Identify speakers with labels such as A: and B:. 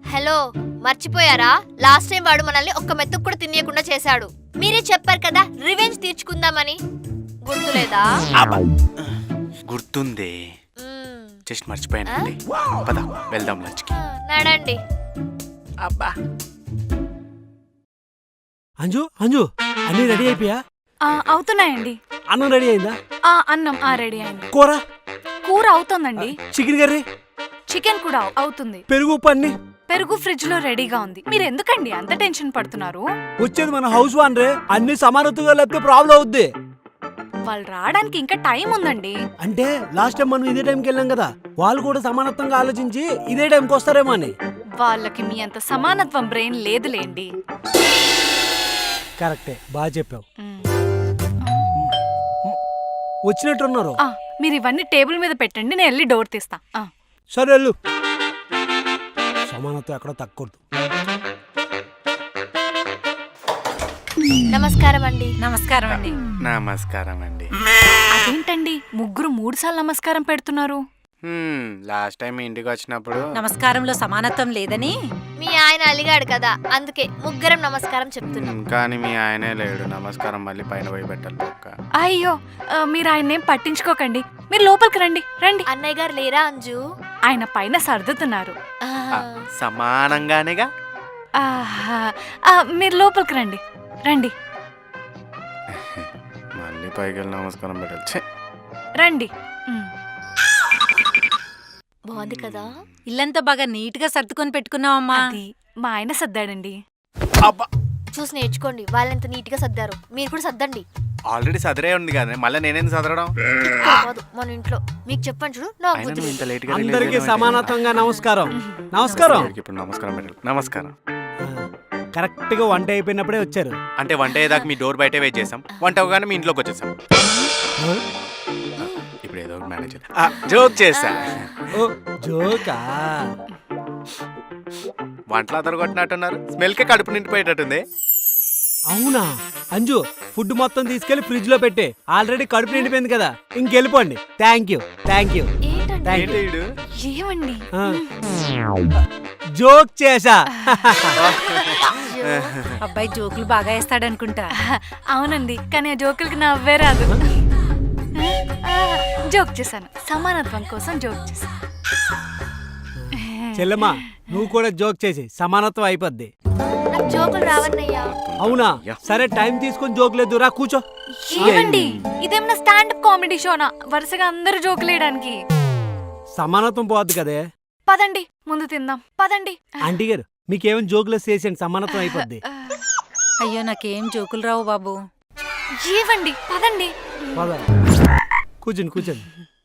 A: Hello, మర్చిపోయారా? Last time వాడు మనల్ని ఒక్క మెతుకు కూడా తినేయకుండా చేశాడు. మీరే చెప్పారు కదా రివెంజ్ తీర్చుకుందామని, గుర్తులేదా?
B: గుర్తుందే, జస్ట్ మర్చిపోయానండి. పద వెళ్దాం లంచ్కి.
A: నడండి.
B: అబ్బా
C: అంజు అంజు అన్ని రెడీ అయిపోయా?
D: అవుతున్నాయండి.
C: అన్నం రెడీ అయిందా?
D: అన్నం రెడీ అయింది.
C: కూర
D: కూర అవుతోందండి.
C: చికెన్ కర్రీ,
D: చికెన్ కూడా అవుతుంది.
C: పెరుగు పన్ని
D: పెరుగు ఫ్రిడ్జ్ లో రెడీగా ఉంది. మీరు ఎందుకండి అంత టెన్షన్ పడుతున్నారు?
C: వచ్చేది మన హౌస్ వానరే, అన్ని సమానతగా లేకపోతే ప్రాబ్లం అవుద్ది.
D: వాళ్ళు రావడానికి ఇంకా టైం ఉందండి.
C: అంటే లాస్ట్ టైం మనం ఇదే టైంకి వెళ్ళాం కదా, వాళ్ళు కూడా సమానత్వంగా ఆలోచించి ఇదే టైంకి వస్తారేమో అని.
D: వాళ్ళకి మీ అంత సమానత్వం బ్రెయిన్ లేదులేండి.
C: కరెక్టే, బాగా చెప్పావు. వచ్చినట్టున్నారు.
D: మీరు ఇవన్నీ టేబుల్ మీద పెట్టండి, నేను వెళ్ళి డోర్ తీస్తా.
C: సరే వెళ్ళు. సమానత్వం ఎక్కడ తగ్గకూడదు.
A: నమస్కారం అండి.
D: నమస్కారం అండి.
B: నమస్కారం అండి.
D: అదేంటండి ముగ్గురు 3 సార్లు నమస్కారం పెడుతున్నారు?
B: లాస్ట్ టైం ఇంటికి వచ్చినప్పుడు
E: నమస్కారంలో సమానత్వం లేదని
A: మీ ఆయన అలిగాడు కదా, అందుకే ముగ్గురం నమస్కారం చెప్తున్నాం.
B: కానీ మీ ఆయనే లేడు. నమస్కారం మళ్ళీ పైన పోయి పెట్టాలి ఒక్క.
D: అయ్యో, మీరు ఆయన్నేం పట్టించుకోకండి. మీరు లోపలికి రండి. రండి.
A: అన్నయ్య గారు లేరా అంజు?
D: ఆయన పైన సర్దుతున్నారు.
B: సమానంగానేగా.
D: మీరు లోపలికి రండి. రండి
B: మళ్ళీ పైకి వెళ్ళి నమస్కారం పెట్టాలి.
D: రండి.
A: బాగుంది కదా?
E: ఇల్లంతా బాగా నీట్ గా సర్దుకొని పెట్టుకున్నావమ్మా.
D: అది మా ఆయన సర్దాడండి.
A: చూసి నేర్చుకోండి. వాళ్ళెంత నీట్ గా సర్దారు, మీరు కూడా సర్దండి.
B: ఆల్రెడీ సదరే ఉంది కదా, మళ్ళీ నేనేంది సదరడం?
A: కాదు, మన ఇంట్లో మీకు చెప్పండి చూడు. నాకు బుద్ధి లేదు.
C: అందరికీ సమానత్వంగా నమస్కారం. నమస్కారం.
B: ఇప్పుడు నమస్కారం పెట్టాలి. నమస్కారం.
C: కరెక్ట్ గా వంట అయిపోయినప్పుడే వచ్చారు.
B: అంటే వంట అయ్యేదాకా మీ డోర్ బయటే వెయిట్ చేసాం. వంట అవగానే మీ ఇంట్లోకి వచ్చేసాం. ఇప్పుడు ఏదో ఒకటి మేనేజ్ జోక్ చేసా.
C: జోకా?
B: వంటలు అదరు కొట్టినట్టున్నారు. స్మెల్కే కడుపు నిండిపోయేటట్టుంది.
C: అవునా అంజు, ఫుడ్ మొత్తం తీసుకెళ్లి ఫ్రిడ్జ్ లో పెట్టే. ఆల్రెడీ కడుపు నిండిపోయింది కదా, ఇంకెళ్ళిపోండి. Thank you.
A: ఏంటండి?
D: ఏమండి?
C: జోక్ చేసా.
E: అబ్బాయి జోకులు బాగా వేస్తాడనుకుంటా.
D: అవునండి, కానీ ఆ జోకులకి నవ్వే రాదు. జోక్ చేశాను, సమానత్వం కోసం జోక్ చేశాను.
C: చెల్లెమ్మా, నువ్వు కూడా జోక్ చేసి సమానత్వం అయిపోద్ది.
A: నాకు జోకులు రావన్నయ్యా.
C: అవునా? సరే, టైం తీసుకొని జోక్ లేదు, రా కూర్చో.
D: ఏమండి, ఇదేమన్నా స్టాండప్ కామెడీ షోనా వరుసగా అందరూ జోకులు వేయడానికి?
C: సమానత్వం పోద్ది కదే.
D: పదండి, ముందు తిందాం. పదండి.
C: ఆంటీ గారు, మీకేమైనా జోకులు చేసేయండి, సమానత్వం అయిపోద్ది.
E: అయ్యో, నాకేం జోకులు రావు బాబు.
D: ఏవండి, పదండి.
C: కూర్చోండి.